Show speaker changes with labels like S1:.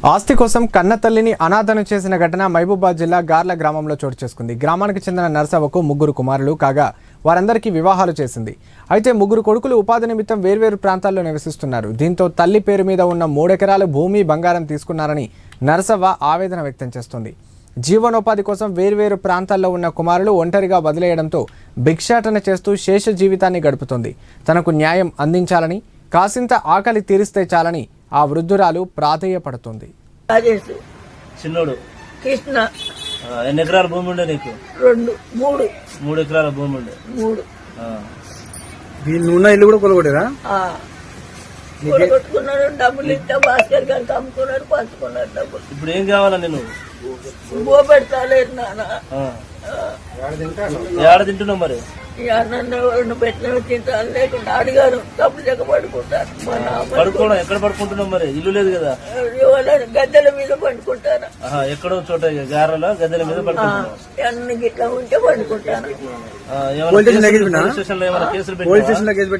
S1: ఆస్తి కోసం కన్నతల్లిని అనాథను చేసిన ఘటన మహబూబాబాద్ జిల్లా గార్ల గ్రామంలో చోటు చేసుకుంది. గ్రామానికి చెందిన నర్సవ్వకు 3 కుమారులు కాగా వారందరికీ వివాహాలు చేసింది. అయితే 3 కొడుకులు ఉపాధి నిమిత్తం వేర్వేరు ప్రాంతాల్లో నివసిస్తున్నారు. దీంతో తల్లి పేరు మీద ఉన్న 3 ఎకరాల భూమి బంగారం తీసుకున్నారని నర్సవ్వ ఆవేదన వ్యక్తం చేస్తోంది. జీవనోపాధి కోసం వేర్వేరు ప్రాంతాల్లో ఉన్న కుమారులు ఒంటరిగా వదిలేయడంతో భిక్షాటన చేస్తూ శేష జీవితాన్ని గడుపుతోంది. తనకు న్యాయం అందించాలని, కాసింత ఆకలి తీరిస్తే చాలని ఆ వృద్ధురాలు ప్రాధేయపడుతుంది.
S2: చిన్నోడు
S3: కృష్ణ
S2: ఎన్ని ఎకరాల భూమి ఉండే నీకు?
S3: 3
S2: ఎకరాల భూమి ఉండే.
S4: నువ్వున్న ఇల్లు కూడా కొలగొట్టేదా?
S3: కొట్టుకున్నాడు. డబ్బులు ఇస్తే భాస్కర్ గారికి అమ్ముకున్నాడు, పంచుకున్నాడు డబ్బులు.
S2: ఇప్పుడు ఏం కావాలా నేను?
S3: బో పెడతాలేదు నాన్న.
S2: ఏడ తింటున్నావు మరి?
S3: నన్ను పెట్టిన తింటాను, లేకుండా అడిగారు డబ్బులు చెక్క పడుకుంటాను.
S2: పడుకోవడం ఎక్కడ పడుకుంటున్నావు మరి? ఇల్లు లేదు కదా?
S3: గద్దెల మీద పండుకుంటాను.
S2: ఎక్కడో చోట గారెలో గద్దెల మీద పడుకుంటున్నావు.
S3: అన్ని గిట్లా ఉంటే పండుకుంటాను.
S2: స్టేషన్ లో ఏమైనా కేసులు